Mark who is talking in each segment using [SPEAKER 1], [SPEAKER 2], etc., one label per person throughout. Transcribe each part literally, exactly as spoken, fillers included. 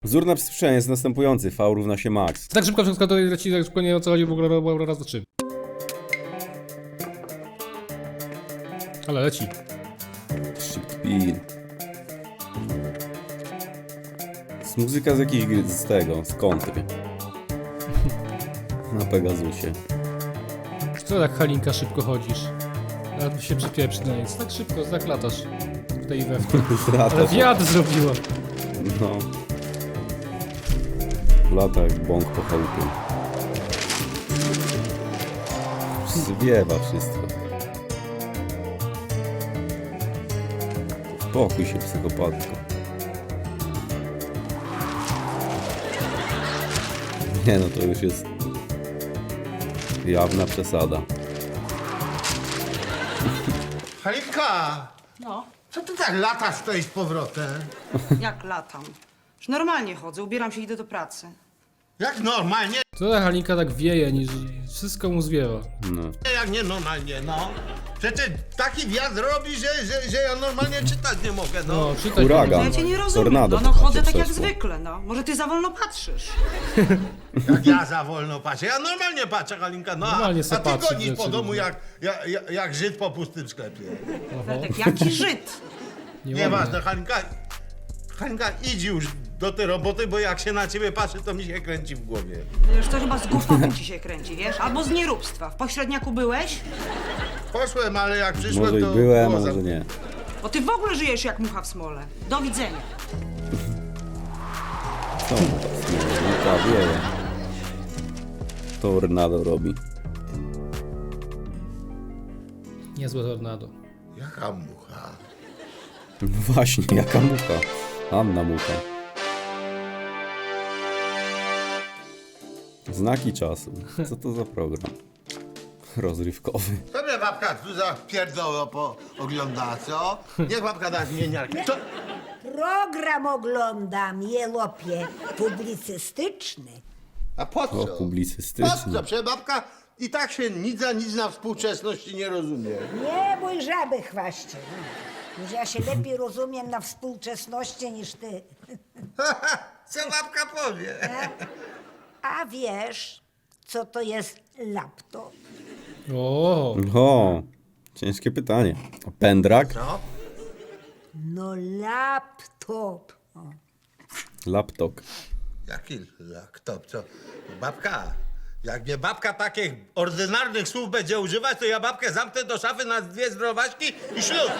[SPEAKER 1] Wzór na przyspieszenie jest następujący. V równa się max.
[SPEAKER 2] Tak szybko wszystko to leci, tak szybko nie o co chodzi w ogóle raz do trzy. Ale leci.
[SPEAKER 1] Speed. Z muzyka z jakiejś gry, z tego, z kontry. Na Pegasusie.
[SPEAKER 2] Co tak Halinka szybko chodzisz? Nawet się przypieprzy na nic. Tak szybko, tak latasz. W tej we w tym. Ale wiatr zrobiła.
[SPEAKER 1] No. Lata jak bąk po chałupie. Zwiewa wszystko. Spokój się, psychopatko. Nie no, to już jest jawna przesada.
[SPEAKER 3] Halinka!
[SPEAKER 4] No,
[SPEAKER 3] Co ty tak latasz tutaj z powrotem?
[SPEAKER 4] jak latam. Już normalnie chodzę, ubieram się i idę do pracy.
[SPEAKER 3] Jak normalnie,
[SPEAKER 2] Co ta Halinka tak wieje, niż wszystko mu zwiewa.
[SPEAKER 1] No.
[SPEAKER 3] jak nie normalnie, no. Przecież taki wiatr robi, że, że, że ja normalnie czytać nie mogę, no.
[SPEAKER 2] No, czytaj.
[SPEAKER 1] Huragan.
[SPEAKER 4] Ja cię nie rozumiem,
[SPEAKER 1] Tornado
[SPEAKER 4] no, no
[SPEAKER 1] po
[SPEAKER 4] chodzę
[SPEAKER 1] chacie
[SPEAKER 4] tak jak
[SPEAKER 1] przeszło.
[SPEAKER 4] zwykle, no. Może ty za wolno patrzysz.
[SPEAKER 3] Jak ja za wolno patrzę. Ja normalnie patrzę, Halinka, no.
[SPEAKER 2] Normalnie se
[SPEAKER 3] A ty
[SPEAKER 2] patrzeć
[SPEAKER 3] gonisz
[SPEAKER 2] rzeczy
[SPEAKER 3] po domu
[SPEAKER 2] różne.
[SPEAKER 3] jak, jak, jak, jak Żyd po pustym sklepie.
[SPEAKER 4] Ferdek, jaki Żyd.
[SPEAKER 3] Nieważne, Halinka. Halinka, idź już do tej roboty, bo jak się na ciebie patrzy, to mi się kręci w głowie.
[SPEAKER 4] Wiesz, to chyba z głupoty ci się kręci, wiesz? Albo z nieróbstwa. W pośredniaku byłeś?
[SPEAKER 3] Poszłem, ale jak przyszłem,
[SPEAKER 1] Może i
[SPEAKER 3] to
[SPEAKER 1] byłem,
[SPEAKER 3] było
[SPEAKER 1] może
[SPEAKER 3] za-
[SPEAKER 1] nie.
[SPEAKER 4] Bo ty w ogóle żyjesz jak mucha w smole. Do widzenia.
[SPEAKER 1] Co? Smolnika wieje. Tornado robi.
[SPEAKER 2] Niezłe tornado.
[SPEAKER 3] Jaka mucha?
[SPEAKER 1] No właśnie, jaka mucha. Anna mucha. Znaki czasu. Co to za program? Rozrywkowy.
[SPEAKER 3] To mnie babka tu za pierdoło po ogląda, co? Niech babka da zmieniarkę. To...
[SPEAKER 5] Program oglądam, jelopie, publicystyczny.
[SPEAKER 3] A po
[SPEAKER 1] O,
[SPEAKER 3] co? Po
[SPEAKER 1] publicystyczny.
[SPEAKER 3] co? Przecież babka i tak się nic za nic na współczesności nie rozumie.
[SPEAKER 5] Nie bój żaby, chwaście. No. Już ja się lepiej rozumiem na współczesności niż ty.
[SPEAKER 3] Co babka powie?
[SPEAKER 5] A wiesz, co to jest laptop?
[SPEAKER 2] O,
[SPEAKER 1] O, ciężkie pytanie. A pendrak?
[SPEAKER 3] No?
[SPEAKER 5] No laptop. O.
[SPEAKER 1] Laptop.
[SPEAKER 3] Jaki laptop, co? Babka, jak mnie babka takich ordynarnych słów będzie używać, to ja babkę zamknę do szafy na dwie zdrowaśki i ślub.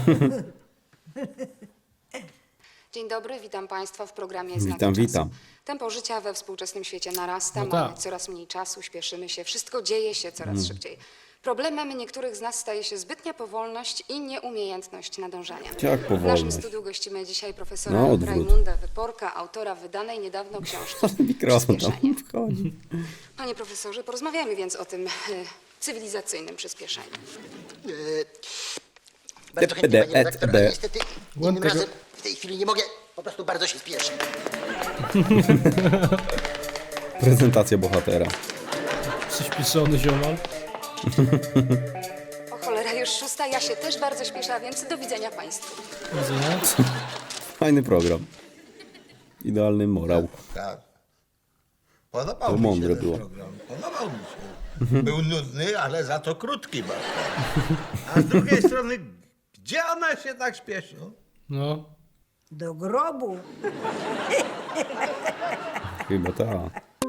[SPEAKER 6] Dzień dobry, witam Państwa w programie Znaki
[SPEAKER 1] Witam,
[SPEAKER 6] Czasu.
[SPEAKER 1] witam.
[SPEAKER 6] Tempo życia we współczesnym świecie narasta,
[SPEAKER 2] No
[SPEAKER 6] mamy
[SPEAKER 2] tak.
[SPEAKER 6] coraz mniej czasu, śpieszymy się, wszystko dzieje się coraz
[SPEAKER 1] Mm.
[SPEAKER 6] szybciej. Problemem niektórych z nas staje się zbytnia powolność i nieumiejętność nadążania.
[SPEAKER 1] Jak
[SPEAKER 6] W naszym
[SPEAKER 1] powolność?
[SPEAKER 6] studiu gościmy dzisiaj profesora
[SPEAKER 1] No, odwrót.
[SPEAKER 6] Rajmunda Wyporka, autora wydanej niedawno książki
[SPEAKER 1] Mikrofon tam
[SPEAKER 6] Przyspieszenie.
[SPEAKER 1] wchodzi.
[SPEAKER 6] Panie profesorze, porozmawiamy więc o tym e, cywilizacyjnym przyspieszeniu.
[SPEAKER 7] Bardzo chętnie, panie
[SPEAKER 1] et
[SPEAKER 7] redaktor,
[SPEAKER 1] de.
[SPEAKER 7] ale niestety innym
[SPEAKER 2] Ładnego-
[SPEAKER 7] razem w tej chwili nie mogę, po prostu bardzo się spieszę.
[SPEAKER 1] Prezentacja bohatera.
[SPEAKER 2] przyspieszony ziomal.
[SPEAKER 6] O cholera, już szósta, ja się też bardzo śpieszę, a więc do widzenia Państwu.
[SPEAKER 2] Widzenia?
[SPEAKER 1] Fajny program. Idealny morał.
[SPEAKER 3] Tak. Podobał
[SPEAKER 1] To
[SPEAKER 3] mi
[SPEAKER 1] mądre
[SPEAKER 3] się ten
[SPEAKER 1] było.
[SPEAKER 3] program. Podobał mi się. Był nudny, ale za to krótki babka. A z drugiej strony, gdzie ona się tak śpieszy?
[SPEAKER 2] No.
[SPEAKER 5] Do grobu.
[SPEAKER 1] Chyba ta.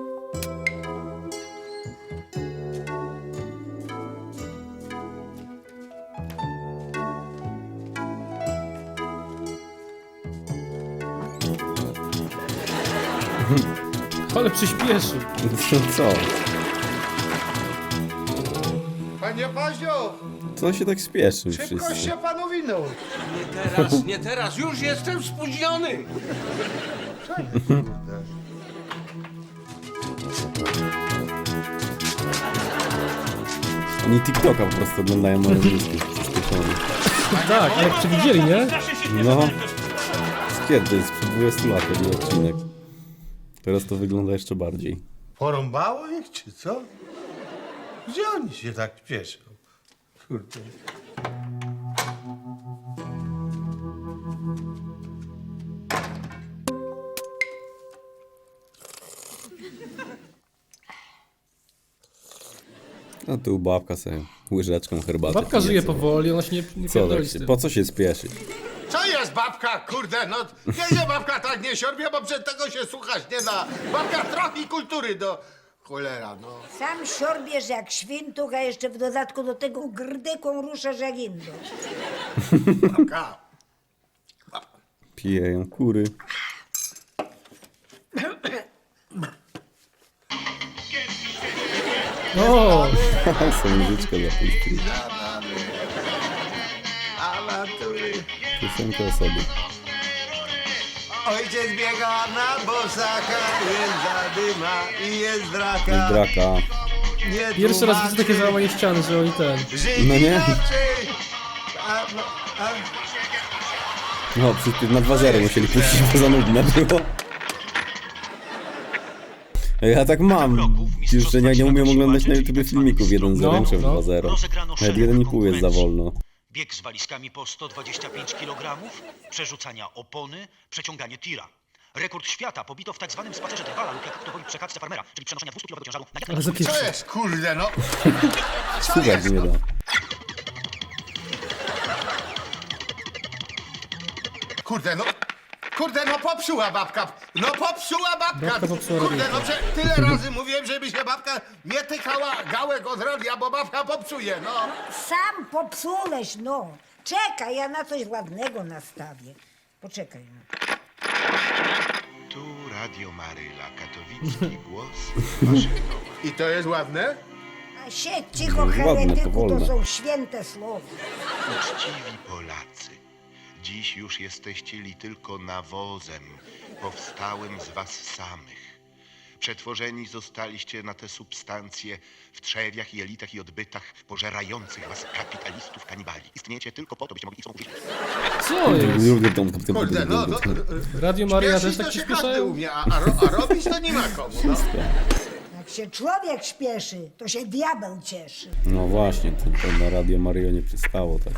[SPEAKER 2] Ale przyspieszył.
[SPEAKER 1] Co?
[SPEAKER 3] Panie Pazio,
[SPEAKER 1] Co się tak śpieszy
[SPEAKER 3] szybko
[SPEAKER 1] wszyscy?
[SPEAKER 3] się panu winął.
[SPEAKER 8] Nie teraz, nie teraz, już jestem spóźniony!
[SPEAKER 1] Oni TikToka po prostu oglądają na rozrywki. Przyspieszony.
[SPEAKER 2] Tak, jak przewidzieli, nie?
[SPEAKER 1] No. Z kiedy? Sprzed dwudziestu lat to był odcinek. Teraz to wygląda jeszcze bardziej.
[SPEAKER 3] Porąbało ich, czy co? Gdzie oni się tak śpieszą? Kurde.
[SPEAKER 1] No tu babka sobie łyżeczką herbaty.
[SPEAKER 2] Babka
[SPEAKER 1] pije
[SPEAKER 2] żyje
[SPEAKER 1] sobie.
[SPEAKER 2] powoli, ona się nie, nie
[SPEAKER 1] Co
[SPEAKER 2] pierdoli
[SPEAKER 1] tak
[SPEAKER 2] z
[SPEAKER 1] się,
[SPEAKER 2] tym.
[SPEAKER 1] po co się spieszyć?
[SPEAKER 3] Co jest babka, kurde, no nie się babka tak nie siorbie, bo przed tego się słuchać nie da. Babka trochę kultury do... Cholera, no.
[SPEAKER 5] Sam siorbiesz jak świntuch, a jeszcze w dodatku do tego grdyką ruszasz jak indą.
[SPEAKER 3] Babka.
[SPEAKER 1] Pijeją kury.
[SPEAKER 2] O,
[SPEAKER 1] Są muzyczkę zapuścili.
[SPEAKER 3] Awantury.
[SPEAKER 1] Piosenkę o sobie.
[SPEAKER 3] Ojciec biega na bosaka, jest zadyma i jest draka.
[SPEAKER 1] Jest draka.
[SPEAKER 3] Nie
[SPEAKER 2] pierwszy raz widzę
[SPEAKER 3] tłumaczy,
[SPEAKER 2] takie załamanie ściany, że oni ten...
[SPEAKER 3] żyć
[SPEAKER 1] No nie?
[SPEAKER 3] inaczej. A, no, a...
[SPEAKER 1] No, przecież na dwa zero musieli puścić, bo za nudne było. Ja tak mam, już że nie, nie umiem oglądać na YouTube filmików jeden zero,
[SPEAKER 2] No,
[SPEAKER 1] muszę w
[SPEAKER 2] no.
[SPEAKER 1] dwa zero. Nawet jeden i pół jest za wolno.
[SPEAKER 9] Bieg z walizkami po sto dwadzieścia pięć kilogramów, przerzucania opony, przeciąganie tira. Rekord świata pobito w tak zwanym spacerze drwala lub jak kto woli przekładce farmera, czyli przenoszenia dwustu-kilowego ciężaru na jak
[SPEAKER 2] Ale za
[SPEAKER 3] Co
[SPEAKER 2] pierwszy.
[SPEAKER 3] jest, kurde, no? Co
[SPEAKER 1] Słuchać
[SPEAKER 3] jest?
[SPEAKER 1] nie da.
[SPEAKER 3] Kurde, no... Kurde, no popsuła babka. No popsuła babka.
[SPEAKER 2] Babka popsuła
[SPEAKER 3] Kurde,
[SPEAKER 2] radiówkę.
[SPEAKER 3] no prze, tyle razy mówiłem, żeby się babka nie tykała gałek od radia, bo babka popsuje, no.
[SPEAKER 5] Sam popsułeś, no. Czekaj, ja na coś ładnego nastawię. Poczekaj, no.
[SPEAKER 10] Tu Radio Maryla, katowicki głos waszego.
[SPEAKER 3] I to jest ładne?
[SPEAKER 5] A siedź cicho,
[SPEAKER 1] Ładne,
[SPEAKER 5] heretyku,
[SPEAKER 1] powolne.
[SPEAKER 5] to są święte słowa.
[SPEAKER 10] Uczciwi Polacy, dziś już jesteście li tylko nawozem powstałym z was samych. Przetworzeni zostaliście na te substancje w trzewiach, jelitach i odbytach pożerających was kapitalistów kanibali. Istniejecie tylko po to, byście mogli ich użyć.
[SPEAKER 2] Co jest?
[SPEAKER 3] Kurde, no... no
[SPEAKER 2] Radio Maria też
[SPEAKER 3] śpieszyć
[SPEAKER 2] tak
[SPEAKER 3] to się każdy
[SPEAKER 2] przyspieszają?
[SPEAKER 3] umie, a, a, ro, a robić to nie ma komu, no.
[SPEAKER 5] Jak się człowiek śpieszy, to się diabeł cieszy.
[SPEAKER 1] No właśnie, to, to na Radio Mario nie przystało tak.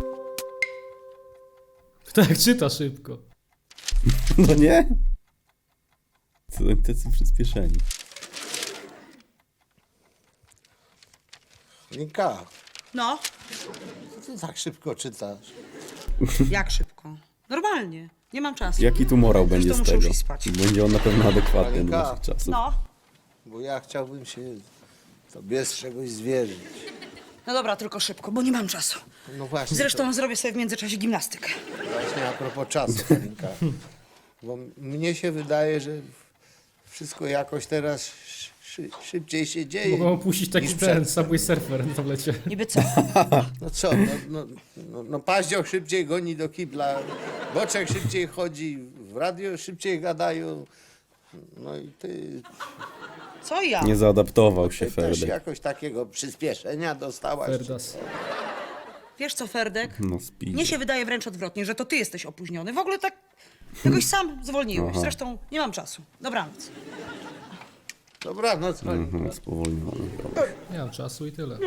[SPEAKER 2] Tak, czyta szybko.
[SPEAKER 1] No nie? Co oni tacy przyspieszeni?
[SPEAKER 11] Linka,
[SPEAKER 4] No,
[SPEAKER 11] co ty tak szybko czytasz?
[SPEAKER 4] jak szybko? Normalnie, nie mam czasu.
[SPEAKER 1] Jaki tu morał będzie z
[SPEAKER 4] muszę
[SPEAKER 1] tego?
[SPEAKER 4] już iść spać.
[SPEAKER 1] Będzie on na pewno adekwatny do
[SPEAKER 11] Alenka.
[SPEAKER 1] naszych czasów.
[SPEAKER 4] No,
[SPEAKER 11] Bo ja chciałbym się tobie z czegoś zwierzyć.
[SPEAKER 4] no dobra, tylko szybko, bo nie mam czasu.
[SPEAKER 11] No właśnie.
[SPEAKER 4] Zresztą zrobię sobie w międzyczasie gimnastykę.
[SPEAKER 11] To właśnie a propos czasu, Linka. Bo m- mnie się wydaje, że wszystko jakoś teraz szy, szybciej się dzieje.
[SPEAKER 2] Mogą opuścić taki
[SPEAKER 11] niż
[SPEAKER 2] ten
[SPEAKER 11] przed-
[SPEAKER 2] Subway Surfer na tablecie.
[SPEAKER 4] Niby co?
[SPEAKER 11] No co, no, no, no, no paździoch szybciej goni do kibla, boczek szybciej chodzi, w radio szybciej gadają. No i ty,
[SPEAKER 4] Co ja?
[SPEAKER 1] Nie zaadaptował się
[SPEAKER 11] ty też
[SPEAKER 1] Ferdek.
[SPEAKER 11] jakoś takiego przyspieszenia dostałaś.
[SPEAKER 2] Ferdas.
[SPEAKER 4] Wiesz co, Ferdek?
[SPEAKER 1] No speed.
[SPEAKER 4] Mnie się wydaje wręcz odwrotnie, że to ty jesteś opóźniony. W ogóle tak jakoś sam zwolniłeś.
[SPEAKER 1] Aha.
[SPEAKER 4] Zresztą nie mam czasu. Dobranoc.
[SPEAKER 11] Dobranoc, Monika.
[SPEAKER 1] Mhm, spowolniony. Dobra.
[SPEAKER 2] Nie mam czasu i tyle.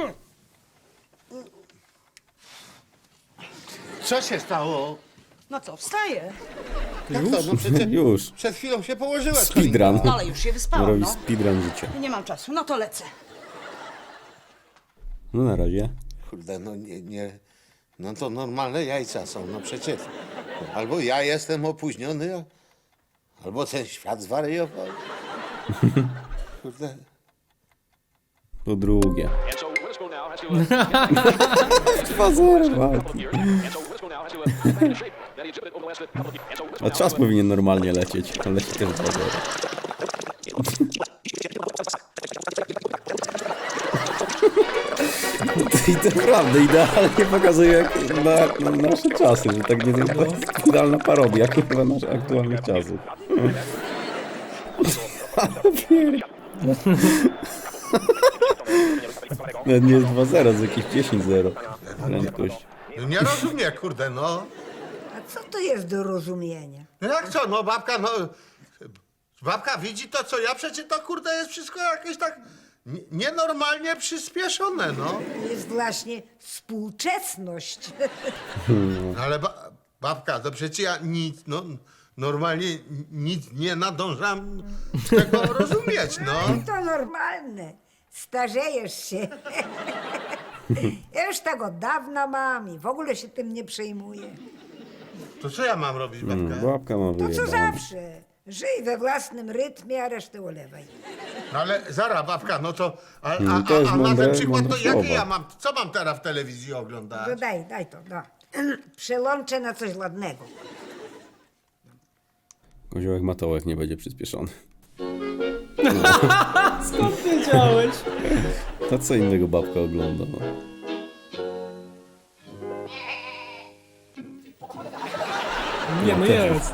[SPEAKER 3] Co się stało?
[SPEAKER 4] No co, wstaję.
[SPEAKER 11] Jak to? No przecież
[SPEAKER 1] Już.
[SPEAKER 11] przed chwilą się położyłaś.
[SPEAKER 1] Speedrun.
[SPEAKER 4] No ale już się wyspałam,
[SPEAKER 1] Robi
[SPEAKER 4] no.
[SPEAKER 1] speedrun życia.
[SPEAKER 4] Nie mam czasu, no to lecę.
[SPEAKER 1] No na razie.
[SPEAKER 11] Kurde, no nie, nie, no to normalne jajca są, no przecież. Albo ja jestem opóźniony, a- albo ten świat zwariował. Kurde.
[SPEAKER 1] Po drugie. dwa zero walki. A czas powinien normalnie lecieć, ale leci też dwa zero. I to naprawdę idealnie pokazuje jak na, na nasze czasy, że tak nie to jest idealna parodia chyba naszych aktualnych czasów. Nawet nie jest dwa zero, to jakieś dziesięć zero. Prędkość.
[SPEAKER 3] Nie rozumiem, kurde, no.
[SPEAKER 5] A co to jest do rozumienia?
[SPEAKER 3] No jak co, no babka, no... Babka widzi to, co ja, przecież to, kurde, jest wszystko jakieś tak nie- nienormalnie przyspieszone, no.
[SPEAKER 5] To jest właśnie współczesność.
[SPEAKER 3] Ale ba babka, to przecież ja nic, no... Normalnie nic nie nadążam tego rozumieć, no.
[SPEAKER 5] To normalne. Starzejesz się. Ja już tak od dawna mam i w ogóle się tym nie przejmuję.
[SPEAKER 3] To co ja mam robić, babka?
[SPEAKER 1] Mm, babka ma
[SPEAKER 5] To co
[SPEAKER 1] wyjebane.
[SPEAKER 5] zawsze. Żyj we własnym rytmie, a resztę olewaj.
[SPEAKER 3] No ale zaraz, babka, no to... A, a,
[SPEAKER 1] Mm, to jest
[SPEAKER 3] a, a na
[SPEAKER 1] mądre-
[SPEAKER 3] ten przykład to
[SPEAKER 1] mądre
[SPEAKER 3] jakie
[SPEAKER 1] słowa.
[SPEAKER 3] ja mam... Co mam teraz w telewizji oglądać?
[SPEAKER 5] To daj, daj to, no. Przełączę na coś ładnego.
[SPEAKER 1] Koziołek Matołek nie będzie przyspieszony.
[SPEAKER 2] Skąd wiedziałeś?
[SPEAKER 1] To co innego babka ogląda, no.
[SPEAKER 2] Nie, no jest.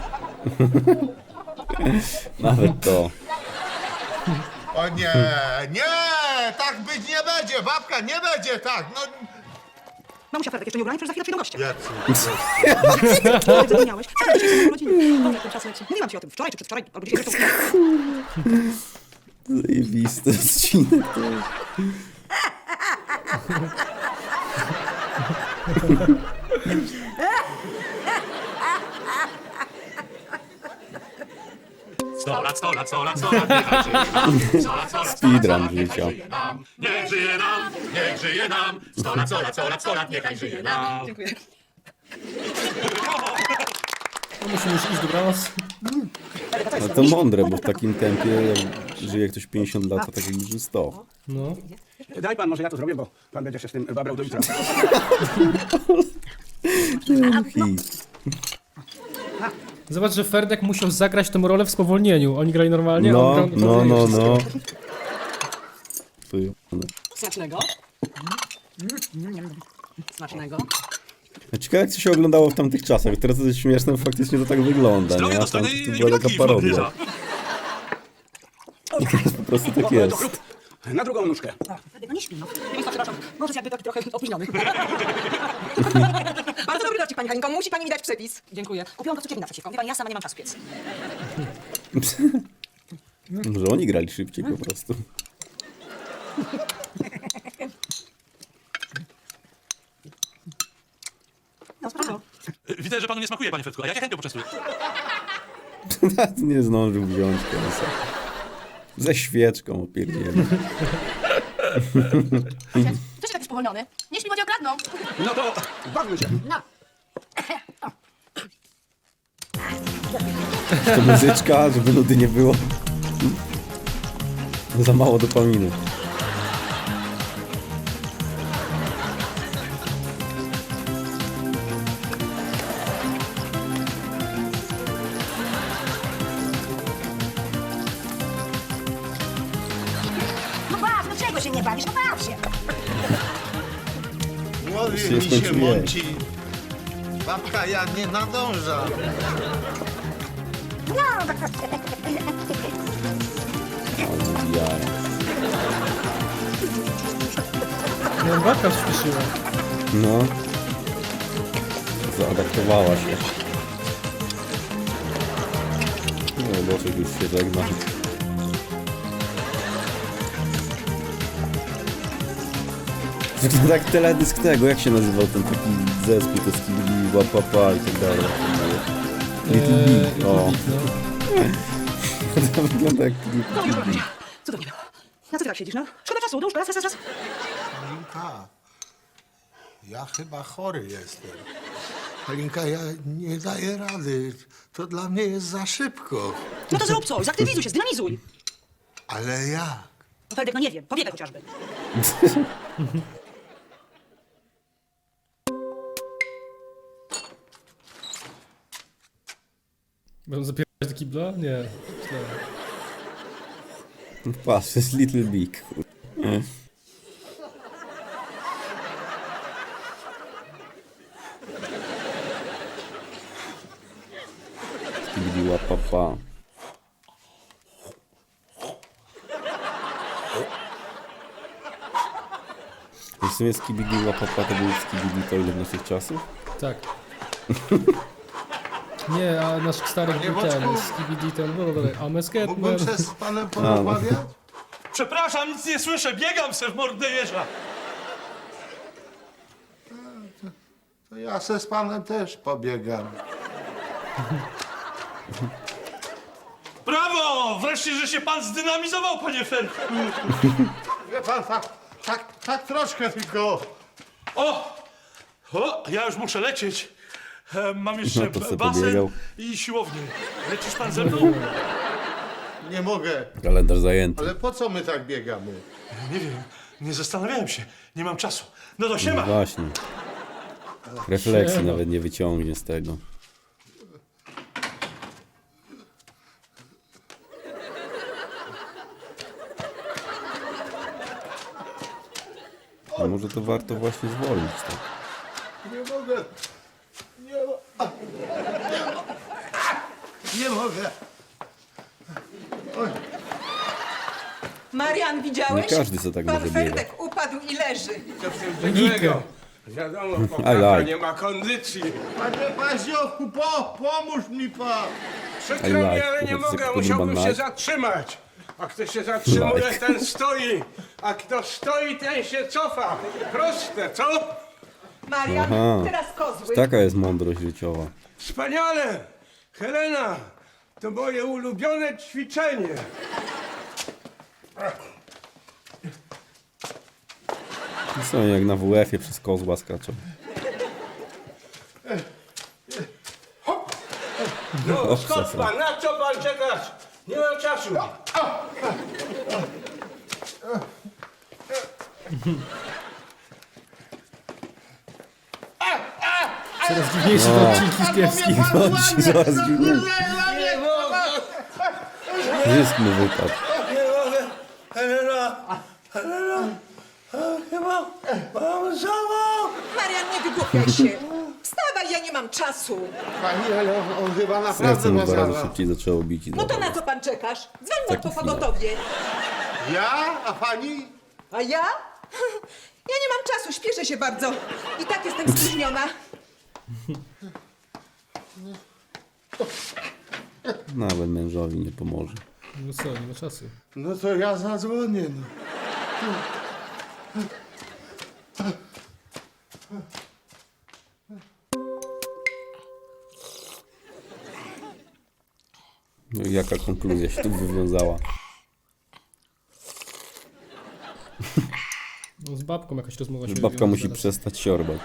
[SPEAKER 1] Nawet to.
[SPEAKER 3] O nie, nie! Tak być nie będzie, babka, nie będzie tak! No...
[SPEAKER 4] Mamusia Fredek jeszcze nie ubrany, przecież za chwilę przyjdą goście.
[SPEAKER 3] Jacy?
[SPEAKER 4] Ale ty miałeś? Wczoraj dzisiaj są urodziny. Boże, jak ten czas leci. Mówiłam ci o tym wczoraj czy przedwczoraj, albo dzisiaj zresztą.
[SPEAKER 1] Zajebisty odcinek to jest.
[SPEAKER 8] Sto lat, sto lat, sto lat, sto lat, niechaj żyje nam. Sto lat, sto lat, sto lat, sto
[SPEAKER 1] Speedrun
[SPEAKER 8] lat, niech
[SPEAKER 1] życia.
[SPEAKER 8] żyje nam. Niech żyje nam, niech żyje nam. Sto lat, sto lat, sto lat, sto lat, niechaj żyje nam.
[SPEAKER 4] Dziękuję.
[SPEAKER 2] No musimy już iść, dobranoc.
[SPEAKER 1] No to mądre, bo w takim tempie, jak żyje ktoś pięćdziesiąt lat, to tak jak żyje sto.
[SPEAKER 2] No.
[SPEAKER 9] Daj pan, może ja to zrobię, bo pan będzie się z tym babrał do jutra.
[SPEAKER 1] Hit.
[SPEAKER 2] Zobacz, że Ferdek musiał zagrać tą rolę w spowolnieniu. Oni grali normalnie, a
[SPEAKER 1] No,
[SPEAKER 2] on grał
[SPEAKER 1] no, no,
[SPEAKER 2] wszystko.
[SPEAKER 1] no. Wyjebane.
[SPEAKER 4] Smacznego. Smacznego.
[SPEAKER 1] A ciekawe jak to się oglądało w tamtych czasach. Teraz to jest śmieszne, bo faktycznie to tak wygląda, nie? A tam to była taka parodia. I teraz po prostu tak jest.
[SPEAKER 9] Na drugą nóżkę.
[SPEAKER 4] Fredek, no nie śpi, no. Nie wiem, przepraszam. Może jakby taki trochę opóźniony. Bardzo dobry dowcip, pani Halinko. Musi pani mi dać przepis. Dziękuję. Kupiłam to cukierni naprzeciwko. Wie pani, ja sama nie mam czasu piec.
[SPEAKER 1] Może oni grali szybciej po prostu.
[SPEAKER 4] No, spoko.
[SPEAKER 8] Widzę, że panu nie smakuje, panie Fredku, a ja chętnie poczęstuję.
[SPEAKER 1] Nie zdążył wziąć końca. Ze świeczką opierdzieli.
[SPEAKER 6] Co się taki spowolniony? Nie śpi, bo cię okradną.
[SPEAKER 9] No to bawmy się.
[SPEAKER 1] To muzyczka, żeby nudy nie było. Za mało dopaminy.
[SPEAKER 5] No baw, no czego się nie bawisz? No baw się.
[SPEAKER 3] Głowie
[SPEAKER 1] Się
[SPEAKER 3] mi się
[SPEAKER 1] skończyło.
[SPEAKER 3] mąci. Babka, ja nie nadążam.
[SPEAKER 5] No,
[SPEAKER 1] Ale jara.
[SPEAKER 2] No, babka śpieszyła.
[SPEAKER 1] No. Zaadaptowała się. No, Boczek już się żegna. To tak teledysk tego, jak się nazywał ten taki zespół, to Skibidi, Łapapa i tak dalej. Little
[SPEAKER 2] Eee,
[SPEAKER 1] Big, o.
[SPEAKER 2] no.
[SPEAKER 1] To wygląda jak Little Big.
[SPEAKER 4] Cudownie było. Na co ty tak siedzisz, no? Szkoda czasu, dłuż, raz, raz, raz, raz.
[SPEAKER 3] Halinka, ja chyba chory jestem. Halinka, ja nie daję rady. To dla mnie jest za szybko.
[SPEAKER 4] No to zrób coś, zaktywizuj się, zdynamizuj.
[SPEAKER 3] Ale jak?
[SPEAKER 4] No Fredek, no nie wiem, powiedzmy chociażby.
[SPEAKER 2] Będą zapierać do kibla? Nie. Źle.
[SPEAKER 1] Patrz, to jest Little Big. kur- Skibidi Łapapa. W sumie Skibidi Łapapa to był Skibidi Toilet naszych czasów?
[SPEAKER 2] Tak. Nie, a nasz stary
[SPEAKER 3] Panie
[SPEAKER 2] był ten,
[SPEAKER 3] Boczku.
[SPEAKER 2] Skibidi ten, no dobra, a Mesketman.
[SPEAKER 3] Mógłbym się z panem porozmawiać?
[SPEAKER 8] Przepraszam, nic nie słyszę, biegam se w mordę jeża.
[SPEAKER 3] To ja se z panem też pobiegam.
[SPEAKER 8] Brawo! Wreszcie, że się pan zdynamizował, panie Fredku.
[SPEAKER 11] Wie pan, tak, tak, tak troszkę tylko.
[SPEAKER 8] O! O, ja już muszę lecieć. E, Mam jeszcze
[SPEAKER 1] No to se
[SPEAKER 8] basen
[SPEAKER 1] pobiegał.
[SPEAKER 8] i siłownię. Lecisz pan ze mną?
[SPEAKER 11] Nie mogę.
[SPEAKER 1] Kalendarz zajęty.
[SPEAKER 11] Ale po co my tak biegamy?
[SPEAKER 8] Nie wiem, nie zastanawiałem się. Nie mam czasu. No to
[SPEAKER 1] No
[SPEAKER 8] siema.
[SPEAKER 1] właśnie. Refleksji nawet nie wyciągnie z tego. A może to warto właśnie zwolnić, tak?
[SPEAKER 11] Nie mogę. Nie, mo- a. nie mogę.
[SPEAKER 4] Marian, widziałeś?
[SPEAKER 1] Nie każdy co tak może
[SPEAKER 4] Pan
[SPEAKER 1] biegać.
[SPEAKER 4] Ferdek upadł i leży.
[SPEAKER 2] Gikę.
[SPEAKER 11] Wiadomo,
[SPEAKER 1] I like.
[SPEAKER 11] nie ma kondycji. Panie Paziochu, po, pomóż mi pan.
[SPEAKER 1] I like. ale nie mogę, musiałbym się
[SPEAKER 11] zatrzymać. A kto się zatrzymuje,
[SPEAKER 1] Like.
[SPEAKER 11] ten stoi. A kto stoi, ten się cofa. Proste, co?
[SPEAKER 4] Marian,
[SPEAKER 1] Aha.
[SPEAKER 4] teraz kozły.
[SPEAKER 1] Taka jest mądrość życiowa.
[SPEAKER 11] Wspaniale! Helena, to moje ulubione ćwiczenie.
[SPEAKER 1] I są jak na W F-ie przez kozła skaczą.
[SPEAKER 11] No, skąd pan? Na co pan czekasz? Nie mam czasu.
[SPEAKER 2] Coraz dziwniejsze te odcinki z kiepskich.
[SPEAKER 1] Zaraz dziwnie. Zysk mu wypadł.
[SPEAKER 11] Nie mogę. Helena, Helena, chyba mam zawał.
[SPEAKER 4] Marian, nie wygłupiaj się. Wstawaj, ja nie mam czasu.
[SPEAKER 11] Pani, ale on, on chyba
[SPEAKER 1] Serce
[SPEAKER 11] naprawdę
[SPEAKER 1] mu
[SPEAKER 11] ma
[SPEAKER 1] dwa razy
[SPEAKER 11] zawał.
[SPEAKER 1] szybciej zaczęło bić. I
[SPEAKER 4] No to
[SPEAKER 1] zawał.
[SPEAKER 4] na co pan czekasz? Dzwoń
[SPEAKER 1] Taki
[SPEAKER 4] po
[SPEAKER 1] chwila.
[SPEAKER 4] pogotowie.
[SPEAKER 11] Ja? A pani?
[SPEAKER 4] A ja? Ja nie mam czasu, śpieszę się bardzo. I tak jestem spóźniona.
[SPEAKER 1] Nawet mężowi nie pomoże.
[SPEAKER 2] No co, nie ma czasu.
[SPEAKER 11] No to ja zadzwonię. No.
[SPEAKER 1] No i jaka konkluzja się tu wywiązała?
[SPEAKER 2] No z babką jakaś rozmowa się
[SPEAKER 1] Że babka
[SPEAKER 2] wywiązała
[SPEAKER 1] musi
[SPEAKER 2] zaraz.
[SPEAKER 1] przestać siorbać.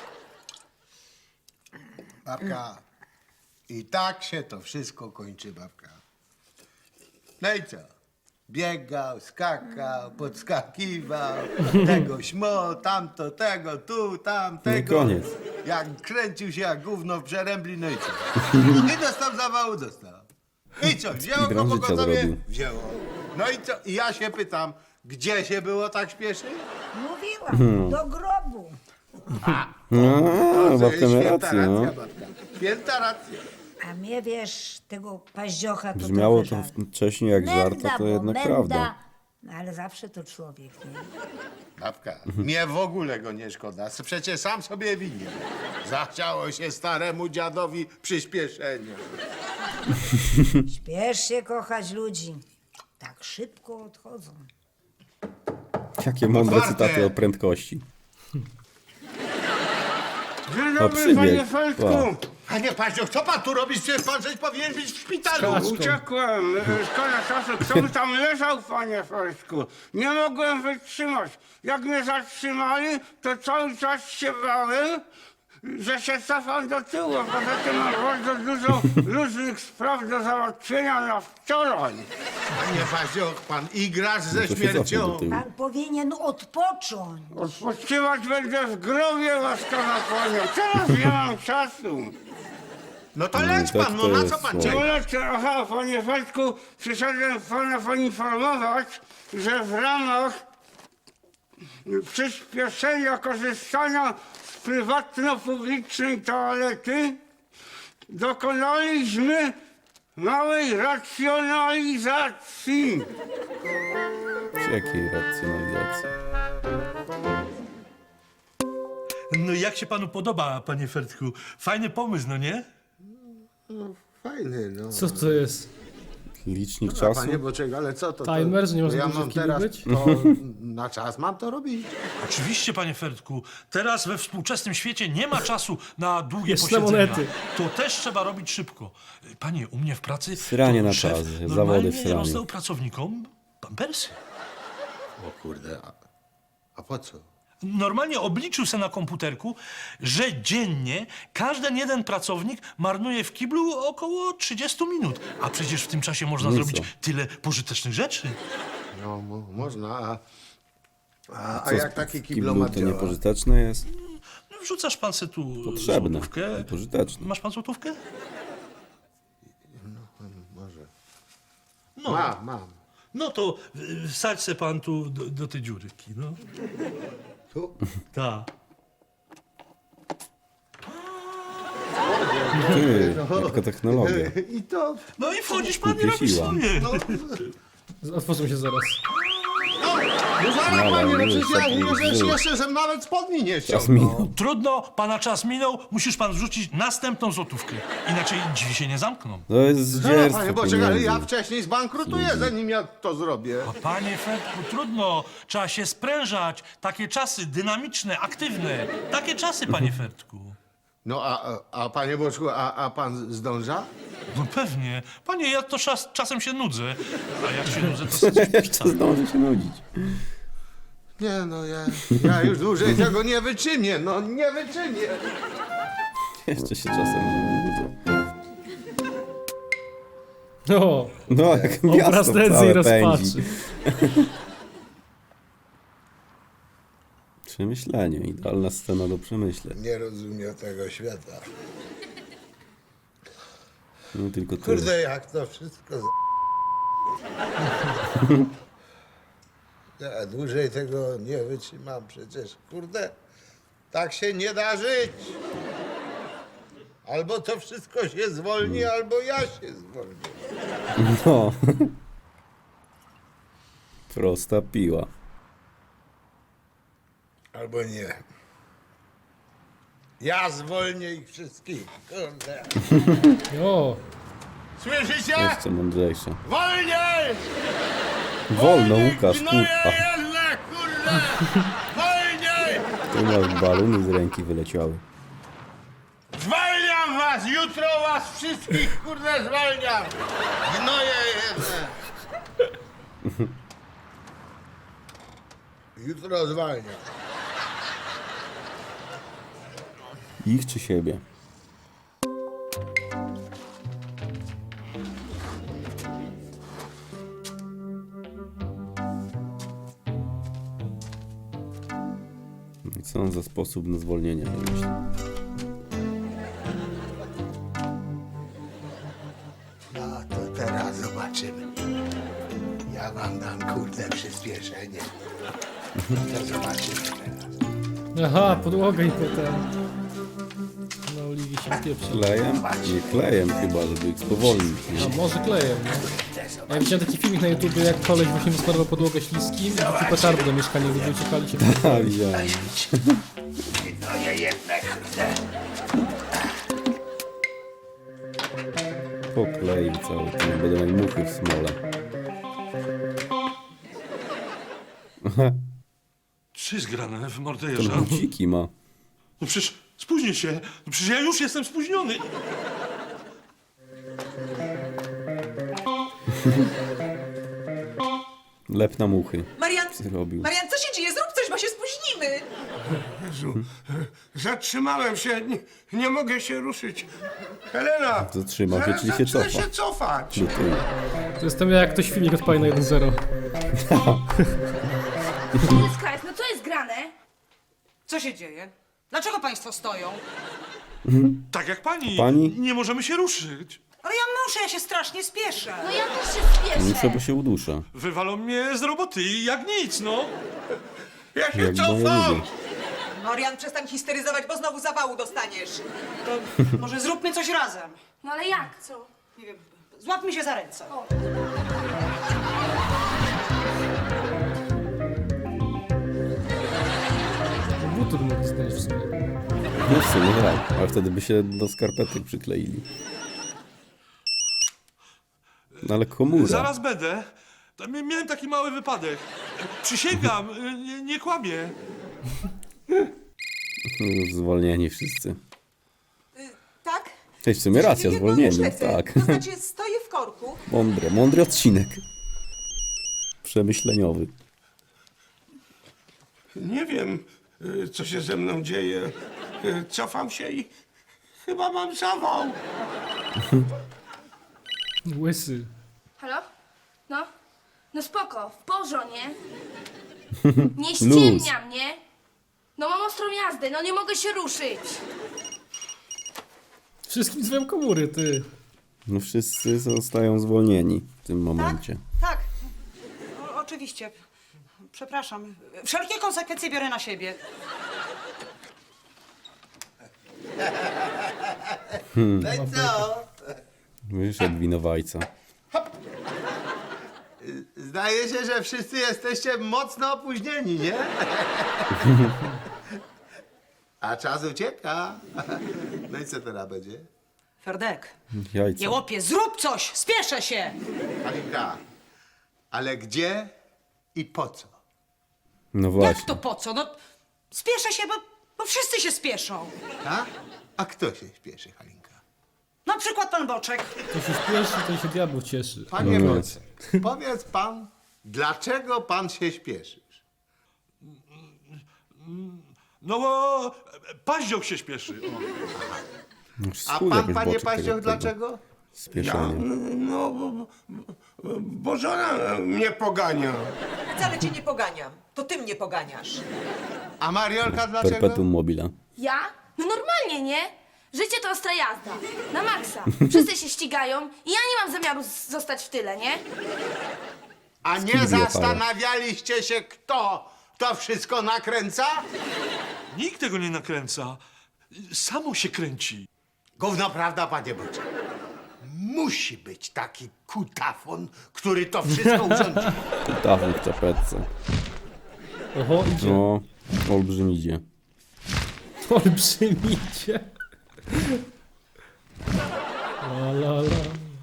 [SPEAKER 12] Babka, i tak się to wszystko kończy, babka. No i co? Biegał, skakał, podskakiwał, tego śmo, tamto, tego, tu, tam,
[SPEAKER 1] No i
[SPEAKER 12] tego.
[SPEAKER 1] koniec.
[SPEAKER 12] Jak kręcił się jak gówno w przerębli, no i co? I dostał zawału, dostał. I co, wzięło go
[SPEAKER 1] Speedrun życia
[SPEAKER 12] pogotowie?
[SPEAKER 1] zrobił.
[SPEAKER 12] Wzięło. No i co? I ja się pytam, gdzie się było tak śpieszyć?
[SPEAKER 5] Mówiłam, do grobu.
[SPEAKER 1] No,
[SPEAKER 12] To
[SPEAKER 1] babka
[SPEAKER 12] jest
[SPEAKER 1] ma
[SPEAKER 12] święta
[SPEAKER 1] rację, no.
[SPEAKER 12] racja, babka. Święta racja.
[SPEAKER 5] A mnie, wiesz, tego paździocha to
[SPEAKER 1] Brzmiało to
[SPEAKER 5] trochę żal.
[SPEAKER 1] wcześniej jak żart,
[SPEAKER 5] Menda,
[SPEAKER 1] a to
[SPEAKER 5] bo
[SPEAKER 1] jednak
[SPEAKER 5] menda.
[SPEAKER 1] prawda.
[SPEAKER 5] No, ale zawsze to człowiek, nie?
[SPEAKER 12] Babka, mnie w ogóle go nie szkoda. Przecież sam sobie winien. Zachciało się staremu dziadowi przyspieszenie.
[SPEAKER 5] Śpiesz się kochać ludzi. Tak szybko odchodzą.
[SPEAKER 1] Jakie mądre
[SPEAKER 12] Otwarte.
[SPEAKER 1] cytaty o prędkości.
[SPEAKER 11] Dzień
[SPEAKER 1] O,
[SPEAKER 11] dobry,
[SPEAKER 1] przybiegł.
[SPEAKER 11] panie Feldku.
[SPEAKER 1] Wow.
[SPEAKER 12] Panie Paździoch, co pan tu robisz? Przecież pan żeś powinien być w szpitalu.
[SPEAKER 2] Kaczką.
[SPEAKER 11] Uciekłem, e, szkoda czasu. Kto by tam leżał, panie Feldku? Nie mogłem wytrzymać. Jak mnie zatrzymali, to cały czas się bałem, że się cofam do tyłu. A poza tym mam bardzo dużo luźnych spraw do załatwienia na wczoraj.
[SPEAKER 12] Panie Paździoch, pan igrasz ze
[SPEAKER 1] No to się cofnął do
[SPEAKER 12] śmiercią.
[SPEAKER 1] tyłu.
[SPEAKER 5] Pan powinien odpocząć.
[SPEAKER 11] Odpoczywać będę w grobie, łaskawa panią. Teraz nie mam czasu.
[SPEAKER 12] No to
[SPEAKER 1] No,
[SPEAKER 12] leć
[SPEAKER 1] tak
[SPEAKER 12] pan, no
[SPEAKER 1] to
[SPEAKER 12] na
[SPEAKER 1] jest
[SPEAKER 12] co pan
[SPEAKER 1] słowo.
[SPEAKER 12] czeka?
[SPEAKER 11] Ulecę, aha, panie Feldku, przyszedłem pana poinformować, że w ramach przyspieszenia korzystania z prywatno-publicznej toalety dokonaliśmy małej racjonalizacji.
[SPEAKER 1] Z jakiej racjonalizacji?
[SPEAKER 8] No jak się panu podoba, panie Fertku? Fajny pomysł, no nie?
[SPEAKER 12] Fajny, no.
[SPEAKER 2] Co to jest?
[SPEAKER 1] Licznik
[SPEAKER 12] Dobra,
[SPEAKER 1] czasu?
[SPEAKER 12] panie Boczek, ale co to?
[SPEAKER 2] Timer, że nie
[SPEAKER 12] to
[SPEAKER 2] można
[SPEAKER 12] ja
[SPEAKER 2] dłużej
[SPEAKER 12] mam
[SPEAKER 2] w kiblu
[SPEAKER 12] teraz
[SPEAKER 2] być?
[SPEAKER 12] to na czas mam to robić.
[SPEAKER 8] Oczywiście, panie Fertku. Teraz we współczesnym świecie nie ma czasu na długie
[SPEAKER 2] Jeszcze
[SPEAKER 8] posiedzenia.
[SPEAKER 2] monety.
[SPEAKER 8] To też trzeba robić szybko. Panie, u mnie w pracy
[SPEAKER 1] Sranie
[SPEAKER 8] to
[SPEAKER 1] na
[SPEAKER 8] szef
[SPEAKER 1] czas, zawody w
[SPEAKER 8] normalnie
[SPEAKER 1] sraniu.
[SPEAKER 8] rozdał pracownikom pampersy.
[SPEAKER 12] O kurde, a, a po co?
[SPEAKER 13] Normalnie obliczył se na komputerku, że dziennie każdy jeden pracownik marnuje w kiblu około trzydzieści minut. A przecież w tym czasie można
[SPEAKER 1] No i
[SPEAKER 13] zrobić
[SPEAKER 1] co?
[SPEAKER 13] tyle pożytecznych rzeczy.
[SPEAKER 12] No, mo, można, a, a, a
[SPEAKER 1] Co,
[SPEAKER 12] jak taki
[SPEAKER 1] w
[SPEAKER 12] kiblomat
[SPEAKER 1] to
[SPEAKER 12] działa?
[SPEAKER 1] niepożyteczne jest?
[SPEAKER 13] No, wrzucasz pan se tu
[SPEAKER 1] Potrzebne.
[SPEAKER 13] złotówkę.
[SPEAKER 1] Pożyteczne.
[SPEAKER 13] Masz pan złotówkę?
[SPEAKER 12] Może.
[SPEAKER 13] No.
[SPEAKER 12] Mam, mam.
[SPEAKER 13] No to y, wsadź se pan tu do, do tej dziurki, no.
[SPEAKER 12] Tu?
[SPEAKER 13] Tak.
[SPEAKER 1] Ty, jaka technologia.
[SPEAKER 12] I to...
[SPEAKER 13] No i wchodzisz pan i
[SPEAKER 1] Kupię
[SPEAKER 13] robisz
[SPEAKER 1] siła.
[SPEAKER 13] swoje.
[SPEAKER 12] No,
[SPEAKER 2] Otworzą się zaraz.
[SPEAKER 12] no zaraz,
[SPEAKER 1] No,
[SPEAKER 12] panie, no
[SPEAKER 1] już,
[SPEAKER 12] przecież ja
[SPEAKER 1] już,
[SPEAKER 12] już,
[SPEAKER 1] już.
[SPEAKER 12] jeszcze, żem nawet spodni nie
[SPEAKER 1] Czas
[SPEAKER 12] ściągnął.
[SPEAKER 1] minął.
[SPEAKER 13] Trudno, pana czas minął, musisz pan wrzucić następną złotówkę. Inaczej drzwi się nie zamkną.
[SPEAKER 1] To jest
[SPEAKER 12] No,
[SPEAKER 1] zdzierstwo
[SPEAKER 12] panie Boczek, ale ja
[SPEAKER 1] pieniędzy.
[SPEAKER 12] wcześniej zbankrutuję, zanim ja to zrobię.
[SPEAKER 13] A panie Fredku, trudno, trzeba się sprężać. Takie czasy dynamiczne, aktywne. Takie czasy, panie Fredku.
[SPEAKER 12] No, a, a, a panie Boczku, a, a pan zdąża?
[SPEAKER 13] No pewnie. Panie, ja to czas, czasem się nudzę. A jak się nudzę, to sobie coś
[SPEAKER 1] Jeszcze
[SPEAKER 13] pisać.
[SPEAKER 1] zdąży się nudzić.
[SPEAKER 12] Nie, no ja, ja już dłużej tego nie wyczynię, no nie wyczynię.
[SPEAKER 1] Jeszcze się czasem nudzę.
[SPEAKER 2] O,
[SPEAKER 1] No, jak
[SPEAKER 2] obraz
[SPEAKER 1] miasto
[SPEAKER 2] nędzy i
[SPEAKER 1] całe
[SPEAKER 2] rozpaczy.
[SPEAKER 1] pędzi. Przemyślenie, idealna scena do przemyśleń.
[SPEAKER 12] Nie rozumiem tego świata.
[SPEAKER 1] No tylko ty.
[SPEAKER 12] Kurde, jak to wszystko z... Ja dłużej tego nie wytrzymam przecież. Kurde, tak się nie da żyć. Albo to wszystko się zwolni, albo ja się zwolnię.
[SPEAKER 1] No. Prosta piła.
[SPEAKER 12] Albo nie. Ja zwolnię ich wszystkich. Kurde.
[SPEAKER 2] O,
[SPEAKER 12] Słyszycie?
[SPEAKER 1] Jeszcze mądrzejsze.
[SPEAKER 12] Wolniej!
[SPEAKER 1] Wolno, Łukasz,
[SPEAKER 12] Gnoje
[SPEAKER 1] kurwa.
[SPEAKER 12] jedne, kurde! Wolniej!
[SPEAKER 1] Tu masz balony z ręki wyleciały.
[SPEAKER 12] Zwalniam was! Jutro was wszystkich, kurde, zwalniam! Gnoje jedne! Jutro zwalniam.
[SPEAKER 1] Ich czy siebie? I co on za sposób na zwolnienie wymyślił?
[SPEAKER 12] No to teraz zobaczymy. Ja wam dam, kurde, przyspieszenie. To zobaczymy teraz.
[SPEAKER 2] aha, podłoga i potem... Na oliwie się pieprzy.
[SPEAKER 1] Klejem? Nie klejem chyba, żeby ich spowolnić.
[SPEAKER 2] A
[SPEAKER 1] Nie?
[SPEAKER 2] może klejem, no. Ja widziałem taki filmik na YouTubie, jak koleś właśnie wysmarował podłogę śliskim i taki petardy do mieszkania, gdy uciekali się.
[SPEAKER 1] A, widziałem.
[SPEAKER 12] Gnoje jedne, kurde.
[SPEAKER 1] Pokleił cały ten, będą jak muchy w smole.
[SPEAKER 13] Co jest grane w
[SPEAKER 1] Ten
[SPEAKER 13] morderza?
[SPEAKER 1] buciki ma.
[SPEAKER 13] No przecież spóźnię się. No przecież ja już jestem spóźniony.
[SPEAKER 1] Lep na muchy
[SPEAKER 4] Marian,
[SPEAKER 1] zrobił.
[SPEAKER 4] Marian, co się dzieje? Zrób coś, bo się spóźnimy.
[SPEAKER 11] Jezu, zatrzymałem się, nie, nie mogę się ruszyć. Helena!
[SPEAKER 1] Zatrzymał się,
[SPEAKER 11] zaraz
[SPEAKER 1] czyli się
[SPEAKER 11] zacznę
[SPEAKER 1] cofa.
[SPEAKER 11] się cofać.
[SPEAKER 1] Do tyłu.
[SPEAKER 2] To jest tam jak ktoś filmik odpali na jeden zero.
[SPEAKER 5] Skrajs, no co jest grane?
[SPEAKER 4] Co się dzieje? Dlaczego państwo stoją?
[SPEAKER 13] Tak jak pani.
[SPEAKER 1] Pani?
[SPEAKER 13] Nie możemy się ruszyć.
[SPEAKER 4] Ale ja muszę, ja się strasznie spieszę.
[SPEAKER 5] No ja też się spieszę.
[SPEAKER 1] Muszę, bo się udusza.
[SPEAKER 13] Wywalą mnie z roboty i jak nic, no.
[SPEAKER 11] Ja się
[SPEAKER 1] Jak moje
[SPEAKER 11] cofam!
[SPEAKER 1] ludzie.
[SPEAKER 4] Marian, przestań histeryzować, bo znowu zawału dostaniesz. To może zróbmy coś razem.
[SPEAKER 5] No ale jak? Co?
[SPEAKER 4] Nie wiem, złapmy się za ręce.
[SPEAKER 2] Butur mógł znaleźć w sumie.
[SPEAKER 1] No w sumie tak, ale wtedy by się do skarpetek przykleili. No ale komura.
[SPEAKER 13] Zaraz będę. Tam mia- Miałem taki mały wypadek. Przysięgam, nie, nie kłamię.
[SPEAKER 1] Już zwolnieni wszyscy.
[SPEAKER 4] Tak?
[SPEAKER 1] Cześć, w sumie racja,
[SPEAKER 4] Nie, nie,
[SPEAKER 1] zwolnieni,
[SPEAKER 4] no, lecę.
[SPEAKER 1] tak.
[SPEAKER 4] To znaczy, stoję w korku.
[SPEAKER 1] Mądry, mądry odcinek. Przemyśleniowy.
[SPEAKER 11] Nie wiem, y, co się ze mną dzieje. Y, Cofam się i chyba mam zawał.
[SPEAKER 2] Łysy.
[SPEAKER 14] Halo? No? No spoko, w porządku, nie
[SPEAKER 1] Luz.
[SPEAKER 14] ściemnia mnie. No mam ostrą jazdę, no nie mogę się ruszyć.
[SPEAKER 2] Wszystkim złem komóry, ty.
[SPEAKER 1] No wszyscy zostają zwolnieni w tym momencie.
[SPEAKER 4] Tak. O, oczywiście. Przepraszam. Wszelkie konsekwencje biorę na siebie.
[SPEAKER 1] Hmm.
[SPEAKER 12] No i co?
[SPEAKER 1] Wyszedł winowajca.
[SPEAKER 12] Zdaje się, że wszyscy jesteście mocno opóźnieni, nie? A czas ucieka. No i co teraz będzie?
[SPEAKER 4] Ferdek,
[SPEAKER 1] Jajca.
[SPEAKER 4] jełopie, zrób coś! Spieszę się!
[SPEAKER 12] Halinka, ale gdzie i po co?
[SPEAKER 1] No
[SPEAKER 4] Jak
[SPEAKER 1] właśnie.
[SPEAKER 4] to po co? No, spieszę się, bo, bo wszyscy się spieszą.
[SPEAKER 12] A? A kto się śpieszy, Halinka?
[SPEAKER 4] Na przykład pan Boczek.
[SPEAKER 2] To się śpieszy, to się diabeł cieszy.
[SPEAKER 12] Panie
[SPEAKER 1] No.
[SPEAKER 12] Boczek, powiedz pan, dlaczego pan się śpieszysz?
[SPEAKER 13] No bo e, paździoch się śpieszy. O.
[SPEAKER 1] No,
[SPEAKER 12] A
[SPEAKER 1] schudł
[SPEAKER 12] pan,
[SPEAKER 1] jakoś
[SPEAKER 12] panie
[SPEAKER 1] boczek
[SPEAKER 12] Paździoch,
[SPEAKER 1] tego- tego
[SPEAKER 12] dlaczego?
[SPEAKER 1] Spieszenia.
[SPEAKER 11] No, bo, bo, bo żona mnie pogania.
[SPEAKER 4] Wcale cię nie poganiam. To ty mnie poganiasz.
[SPEAKER 12] A Mariolka dlaczego?
[SPEAKER 1] Perpetuum mobile.
[SPEAKER 14] Ja? No normalnie, nie? Życie to ostra jazda. Na maksa. Wszyscy się ścigają i ja nie mam zamiaru z- zostać w tyle, nie?
[SPEAKER 12] A nie
[SPEAKER 1] Skibidi
[SPEAKER 12] zastanawialiście się, kto to wszystko nakręca?
[SPEAKER 13] Nikt tego nie nakręca. Samo się kręci.
[SPEAKER 12] Gówno prawda, panie Boczek. Musi być taki kutafon, który to wszystko urządzi.
[SPEAKER 1] Kutafon w czapeczce.
[SPEAKER 2] Oho, idzie.
[SPEAKER 1] No, olbrzymidzie.
[SPEAKER 2] Olbrzymicie. La la la.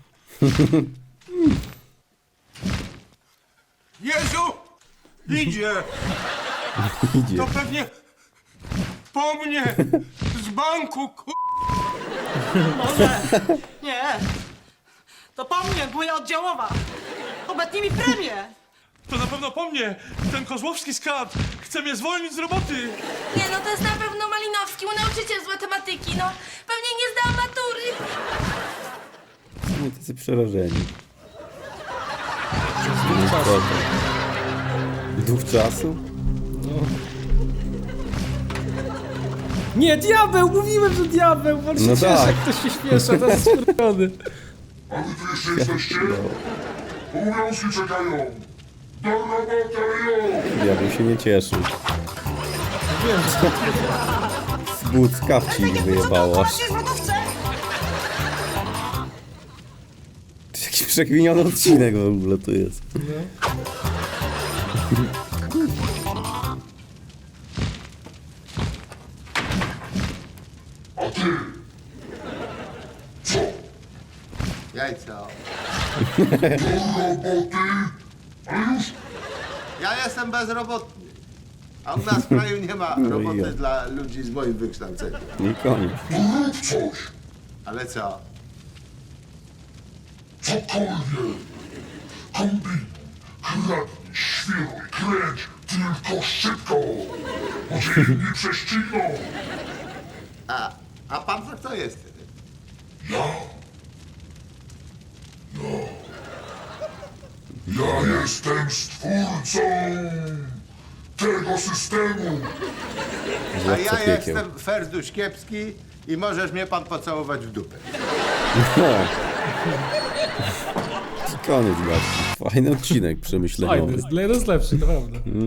[SPEAKER 11] Jezu! Idzie!
[SPEAKER 1] Idzie.
[SPEAKER 11] To pewnie po mnie z banku, ku...
[SPEAKER 4] Może. Nie. To po mnie, moja oddziałowa. Obetnij mi premię.
[SPEAKER 13] To na pewno po mnie. Ten kozłowski skat chce mnie zwolnić z roboty.
[SPEAKER 14] Nie, no to jest na pewno Malinowski, mój nauczyciel z matematyki, no. Pewnie nie zdał matury.
[SPEAKER 1] Nie, tacy przerażeni. Duch czasu?
[SPEAKER 2] Nie, diabeł! Mówiłem, że diabeł! On się
[SPEAKER 1] No
[SPEAKER 2] cieszy,
[SPEAKER 1] tak.
[SPEAKER 2] jak ktoś się śpieszy, to jest skurwiony.
[SPEAKER 8] A wy tu jeszcze jesteście? Obowiązki czekają. Do roboty, jo!
[SPEAKER 1] Diabeł się nie cieszy.
[SPEAKER 2] Wiem, że
[SPEAKER 1] Z but z kapci ich wyjebało. aż.
[SPEAKER 4] Właśnie w lodówce.
[SPEAKER 1] Jakiś przekminiony odcinek w ogóle tu jest.
[SPEAKER 8] A ty? Co?
[SPEAKER 12] Jajco.
[SPEAKER 8] Do roboty? A już?
[SPEAKER 12] Ja jestem bezrobotny. A u nas w kraju nie ma
[SPEAKER 1] No i
[SPEAKER 12] roboty
[SPEAKER 1] ja.
[SPEAKER 12] dla ludzi z moim wykształceniem.
[SPEAKER 1] I koniec.
[SPEAKER 8] To rób coś.
[SPEAKER 12] Ale co?
[SPEAKER 8] Cokolwiek. Kombinuj, kradnij, świruj, kręć. Tylko szybko. Bo cię inni prześcigną.
[SPEAKER 12] A, a pan to kto jest?
[SPEAKER 8] Ja? Ja. Ja jestem stwórcą tego systemu.
[SPEAKER 12] A
[SPEAKER 1] Złowca
[SPEAKER 12] ja
[SPEAKER 1] piekieł.
[SPEAKER 12] jestem Ferduś Kiepski i możesz mnie pan pocałować w dupę.
[SPEAKER 1] No. I koniec, gaci. Fajny odcinek przemyśleniowy.
[SPEAKER 2] fajny, jest lepszy, naprawdę.